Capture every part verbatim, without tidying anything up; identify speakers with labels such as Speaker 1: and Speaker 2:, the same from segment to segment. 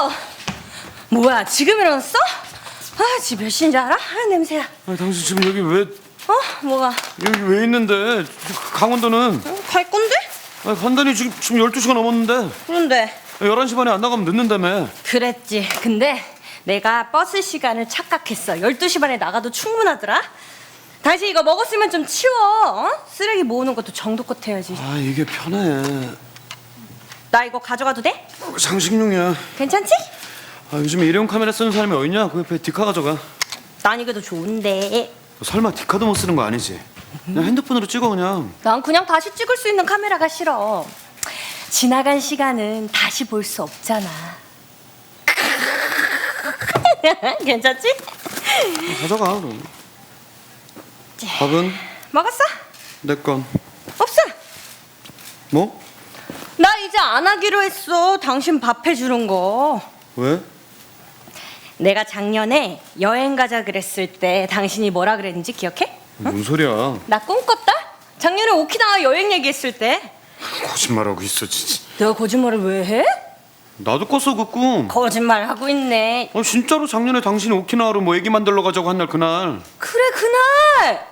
Speaker 1: 뭐야, 지금 일어났어? 아, 지금 몇 시인지 알아? 아, 냄새야.
Speaker 2: 아니, 당신 지금 여기 왜
Speaker 1: 어? 뭐가?
Speaker 2: 여기 왜 있는데? 강원도는?
Speaker 1: 어, 갈 건데?
Speaker 2: 아니, 간단히 지금 지금 열두 시가 넘었는데.
Speaker 1: 그런데
Speaker 2: 열한 시 반에 안 나가면 늦는다며.
Speaker 1: 그랬지. 근데 내가 버스 시간을 착각했어. 열두 시 반에 나가도 충분하더라. 다시 이거 먹었으면 좀 치워. 어? 쓰레기 모으는 것도 정도껏 해야지.
Speaker 2: 아, 이게 편해.
Speaker 1: 나 이거 가져가도 돼?
Speaker 2: 장식용이야.
Speaker 1: 괜찮지?
Speaker 2: 아, 요즘에 일회용 카메라 쓰는 사람이 어딨냐? 그 옆에 디카 가져가.
Speaker 1: 난 이게 더 좋은데.
Speaker 2: 너 설마 디카도 못 쓰는 거 아니지? 그냥 핸드폰으로 찍어 그냥.
Speaker 1: 난 그냥 다시 찍을 수 있는 카메라가 싫어. 지나간 시간은 다시 볼 수 없잖아. 괜찮지?
Speaker 2: 가져가 그럼. 밥은?
Speaker 1: 먹었어?
Speaker 2: 내 건.
Speaker 1: 없어.
Speaker 2: 뭐?
Speaker 1: 나 이제 안 하기로 했어. 당신 밥 해주는 거.
Speaker 2: 왜?
Speaker 1: 내가 작년에 여행 가자 그랬을 때 당신이 뭐라 그랬는지 기억해?
Speaker 2: 뭔 소리야?
Speaker 1: 나 꿈꿨다? 작년에 오키나와 여행 얘기했을 때.
Speaker 2: 거짓말하고 있어 진짜.
Speaker 1: 내가 거짓말을 왜 해?
Speaker 2: 나도 꿨어 그 꿈.
Speaker 1: 거짓말 하고 있네.
Speaker 2: 아, 진짜로 작년에 당신이 오키나와로 뭐 애기 만들러 가자고 한 날 그날.
Speaker 1: 그래, 그날.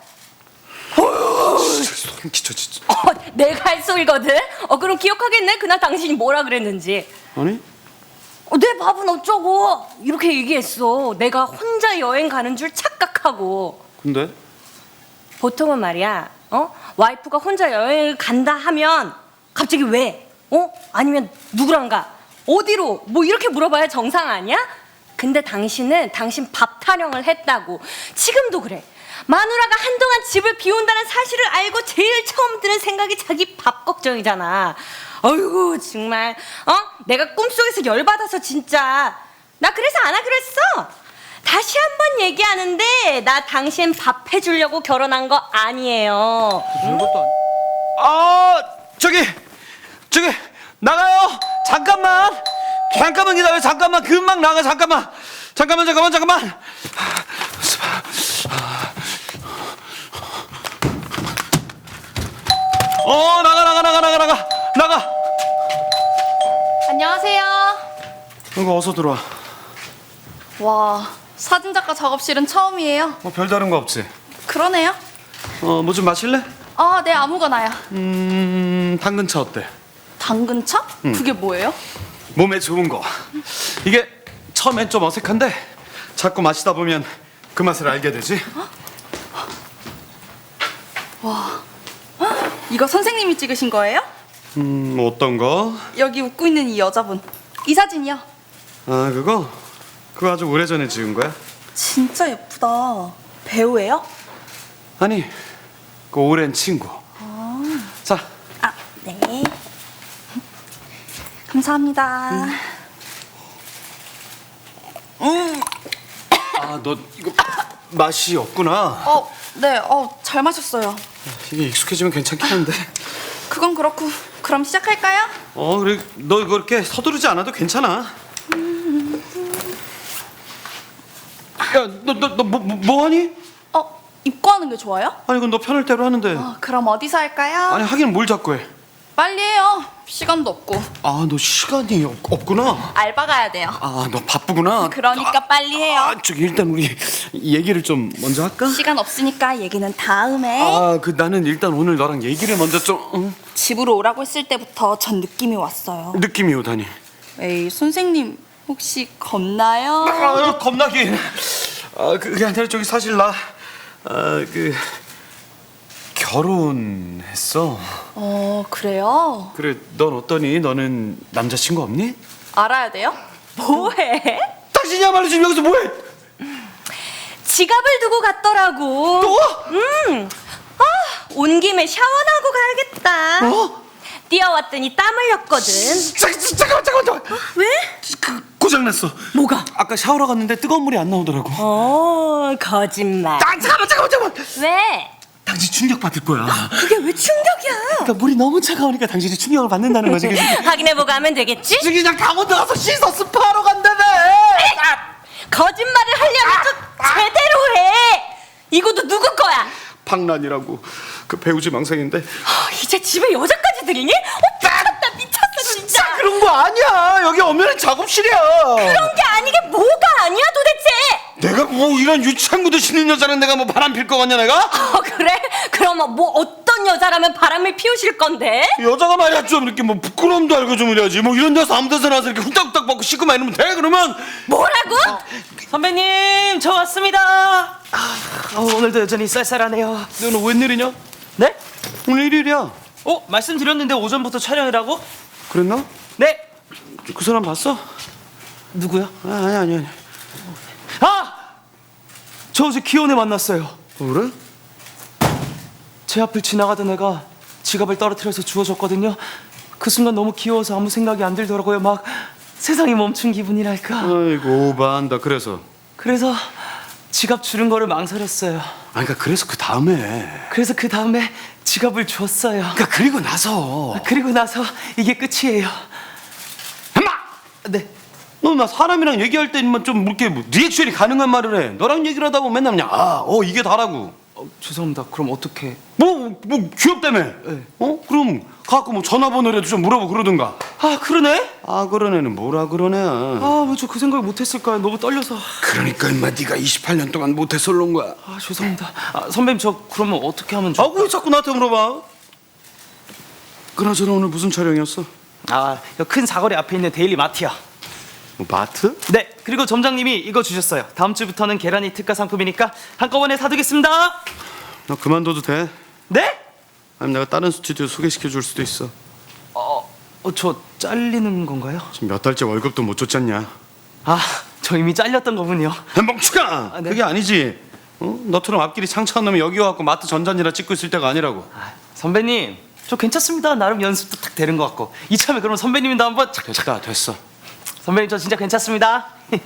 Speaker 2: 진짜 소름 끼쳐 진짜.
Speaker 1: 어, 내가 할 소리거든. 어, 그럼 기억하겠네. 그날 당신이 뭐라 그랬는지.
Speaker 2: 아니?
Speaker 1: 어, 내 밥은 어쩌고 이렇게 얘기했어. 내가 혼자 여행 가는 줄 착각하고.
Speaker 2: 근데?
Speaker 1: 보통은 말이야, 어? 와이프가 혼자 여행을 간다 하면 갑자기 왜? 어? 아니면 누구랑 가? 어디로? 뭐 이렇게 물어봐야 정상 아니야? 근데 당신은 당신 밥 타령을 했다고. 지금도 그래. 마누라가 한동안 집을 비운다는 사실을 알고 제일 처음 드는 생각이 자기 밥 걱정이잖아. 어이구 정말 어? 내가 꿈속에서 열받아서 진짜. 나 그래서 안 하기로 했어. 다시 한 번 얘기하는데 나 당신 밥 해주려고 결혼한 거 아니에요.
Speaker 2: 별것도 아니. 아 저기 저기 나가요. 잠깐만 잠깐만 기다려. 잠깐만 금방 나가. 잠깐만 잠깐만 잠깐만 잠깐만. 어 나가 나가 나가 나가 나가 나가.
Speaker 3: 안녕하세요.
Speaker 2: 이거 어서 들어와.
Speaker 3: 와, 사진작가 작업실은 처음이에요.
Speaker 2: 뭐 별다른 거 없지?
Speaker 3: 그러네요.
Speaker 2: 어 뭐 좀 마실래?
Speaker 3: 아, 네, 아무거나요.
Speaker 2: 음 당근차 어때?
Speaker 3: 당근차? 그게 뭐예요?
Speaker 2: 몸에 좋은 거. 이게 처음엔 좀 어색한데 자꾸 마시다 보면 그 맛을 알게 되지.
Speaker 3: 이거 선생님이 찍으신 거예요?
Speaker 2: 음 어떤 거?
Speaker 3: 여기 웃고 있는 이 여자분. 이 사진이요.
Speaker 2: 아 그거? 그거 아주 오래전에 찍은 거야?
Speaker 3: 진짜 예쁘다. 배우예요?
Speaker 2: 아니 그 오랜 친구. 자
Speaker 3: 아, 네. 감사합니다.
Speaker 2: 아 너 이거 맛이 없구나.
Speaker 3: 어, 네, 어, 잘 마셨어요.
Speaker 2: 이게 익숙해지면 괜찮긴 한데.
Speaker 3: 그건 그렇고, 그럼 시작할까요?
Speaker 2: 어 그래 너 이거 이렇게 서두르지 않아도 괜찮아. 야너 너 너 뭐 뭐 하니?
Speaker 3: 어, 입고 하는 게 좋아요?
Speaker 2: 아니 이건 너 편할 대로 하는데.
Speaker 3: 어, 그럼 어디서 할까요?
Speaker 2: 아니 하긴 뭘 자꾸 해.
Speaker 3: 빨리 해요. 시간도 없고.
Speaker 2: 아 너 시간이 없, 없구나.
Speaker 3: 알바 가야 돼요.
Speaker 2: 아 너 바쁘구나.
Speaker 3: 그러니까
Speaker 2: 아,
Speaker 3: 빨리 해요.
Speaker 2: 아 저기 일단 우리 얘기를 좀 먼저 할까?
Speaker 3: 시간 없으니까 얘기는 다음에.
Speaker 2: 아 그 나는 일단 오늘 너랑 얘기를 먼저 좀 응?
Speaker 3: 집으로 오라고 했을 때부터 전 느낌이 왔어요.
Speaker 2: 느낌이 오다니.
Speaker 3: 에이, 선생님 혹시 겁나요?
Speaker 2: 아 겁나긴. 아 그게 아니라 저기 사실 나아그 결혼했어.
Speaker 3: 어, 그래요?
Speaker 2: 그래 넌 어떠니? 너는 남자친구 없니?
Speaker 3: 알아야 돼요?
Speaker 1: 뭐해?
Speaker 2: 당신이야말로 지금 여기서 뭐해?
Speaker 1: 지갑을 두고 갔더라고.
Speaker 2: 또?
Speaker 1: 음. 아, 온 김에 샤워나고 가야겠다.
Speaker 2: 어?
Speaker 1: 뛰어왔더니 땀 흘렸거든.
Speaker 2: 잠, 잠깐만 잠깐만 잠깐만.
Speaker 1: 왜?
Speaker 2: 그 고장났어.
Speaker 1: 뭐가?
Speaker 2: 아까 샤워러 갔는데 뜨거운 물이 안 나오더라고.
Speaker 1: 어, 거짓말.
Speaker 2: 아 잠깐만 잠깐만 잠깐만.
Speaker 1: 왜?
Speaker 2: 당신 충격 받을 거야.
Speaker 1: 그게 왜 충격이야?
Speaker 2: 그러니까 물이 너무 차가우니까 당신이 충격을 받는다는 거지. 그래서
Speaker 1: 확인해보고 하면 되겠지?
Speaker 2: 지금 그냥 강원도 가서 씻어 스파하러 간다며.
Speaker 1: 거짓말을 하려면 좀 제대로 해. 이것도 누구 거야?
Speaker 2: 박란이라고 그 배우지 망상인데.
Speaker 1: 아, 이제 집에 여자까지 들이니? 어, 미쳤다 미쳤어 진짜.
Speaker 2: 그런 거 아니야. 여기 엄연히 작업실이야.
Speaker 1: 그런 게 아니게 뭐가 아니야 도대체?
Speaker 2: 내가 뭐 이런 유치한 구두 신는 여자는 내가 뭐 바람 필 거 같냐 내가?
Speaker 1: 어 그래? 그럼 뭐 어떤 여자라면 바람을 피우실 건데?
Speaker 2: 여자가 말이야 좀 이렇게 뭐 부끄러움도 알고 좀 이래야지. 뭐 이런 데서 아무 데서나 와서 이렇게 훌떡훌떡 먹고 씻고만 이러면 돼 그러면.
Speaker 1: 뭐라고?
Speaker 4: 선배님, 저 왔습니다. 아, 어, 오늘도 여전히 쌀쌀하네요.
Speaker 2: 너는 웬일이냐?
Speaker 4: 네?
Speaker 2: 오늘 일요일이야.
Speaker 4: 어, 말씀드렸는데 오전부터 촬영이라고?
Speaker 2: 그랬나?
Speaker 4: 네.
Speaker 2: 그 사람 봤어?
Speaker 4: 누구요?
Speaker 2: 아, 아니 아니 아니.
Speaker 4: 아! 저 어제 기혼에 만났어요.
Speaker 2: 어, 그래?
Speaker 4: 제 앞을 지나가던 애가 지갑을 떨어뜨려서 주워줬거든요. 그 순간 너무 귀여워서 아무 생각이 안 들더라고요. 막 세상이 멈춘 기분이랄까.
Speaker 2: 아이고 오바한다. 그래서.
Speaker 4: 그래서 지갑 주는 거를 망설였어요.
Speaker 2: 아 그러니까 그래서 그 다음에.
Speaker 4: 그래서 그 다음에 지갑을 줬어요.
Speaker 2: 그러니까 그리고 나서.
Speaker 4: 그리고 나서 이게 끝이에요.
Speaker 2: 엄마!
Speaker 4: 네.
Speaker 2: 너 나 사람이랑 얘기할 때만 좀 이렇게 뭐 리액션이 가능한 말을 해. 너랑 얘기를 하다 보면 맨날 그냥 아, 어 이게 다라고.
Speaker 4: 어, 죄송합니다. 그럼 어떻게?
Speaker 2: 뭐, 뭐 귀엽다며.
Speaker 4: 네.
Speaker 2: 어? 그럼 갖고 뭐 전화번호라도 좀 물어보고 그러든가.
Speaker 4: 아 그러네?
Speaker 2: 아 그런 애는 뭐라 그러네.
Speaker 4: 아 왜 저 그 생각을 못했을까요? 너무 떨려서.
Speaker 2: 그러니까 임마 네가 이십팔 년 동안 못해서 그런 거야.
Speaker 4: 아 죄송합니다. 아, 선배님 저 그러면 어떻게 하면 좋?
Speaker 2: 아 왜 자꾸 나한테 물어봐? 그나저나 오늘 무슨 촬영이었어?
Speaker 4: 아큰 사거리 앞에 있는 데일리 마트야.
Speaker 2: 뭐 마트?
Speaker 4: 네. 그리고 점장님이 이거 주셨어요. 다음 주부터는 계란이 특가 상품이니까 한꺼번에 사두겠습니다.
Speaker 2: 너 그만둬도 돼?
Speaker 4: 네?
Speaker 2: 아니면 내가 다른 스튜디오 소개시켜 줄 수도 있어.
Speaker 4: 어, 어, 저 잘리는 건가요?
Speaker 2: 지금 몇 달째 월급도 못 줬잖냐.
Speaker 4: 아, 저 이미 잘렸던 거군요.
Speaker 2: 야, 멍충아!
Speaker 4: 네.
Speaker 2: 그게 아니지. 어? 너처럼 앞길이 창창한 놈이 여기 와갖고 마트 전잔이라 찍고 있을 때가 아니라고.
Speaker 4: 아, 선배님, 저 괜찮습니다. 나름 연습도 딱 되는 것 같고. 이참에 그럼 선배님도 한번 착, 착.
Speaker 2: 됐다 됐어.
Speaker 4: 선배님 저 진짜 괜찮습니다.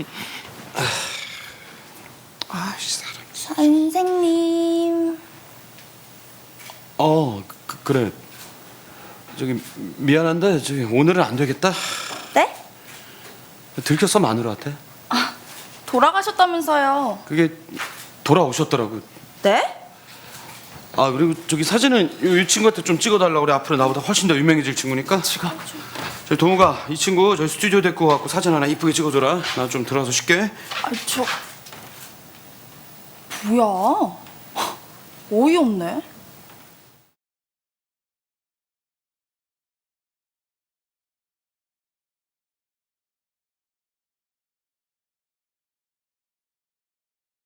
Speaker 2: 아이씨 사람.
Speaker 3: 선생님.
Speaker 2: 어 그, 그래. 저기 미안한데 저기 오늘은 안 되겠다.
Speaker 3: 네?
Speaker 2: 들켰어 마누라한테.
Speaker 3: 돌아가셨다면서요.
Speaker 2: 그게 돌아오셨더라고.
Speaker 3: 네?
Speaker 2: 아 그리고 저기 사진은 이, 이 친구한테 좀 찍어달라고 그래. 앞으로 나보다 훨씬 더 유명해질 친구니까.
Speaker 4: 지금
Speaker 2: 저희 동우가 이 친구 저희 스튜디오 데리고 갖고 사진 하나 이쁘게 찍어줘라. 나 좀 들어가서 쉴게.
Speaker 3: 아, 저 뭐야? 어이없네.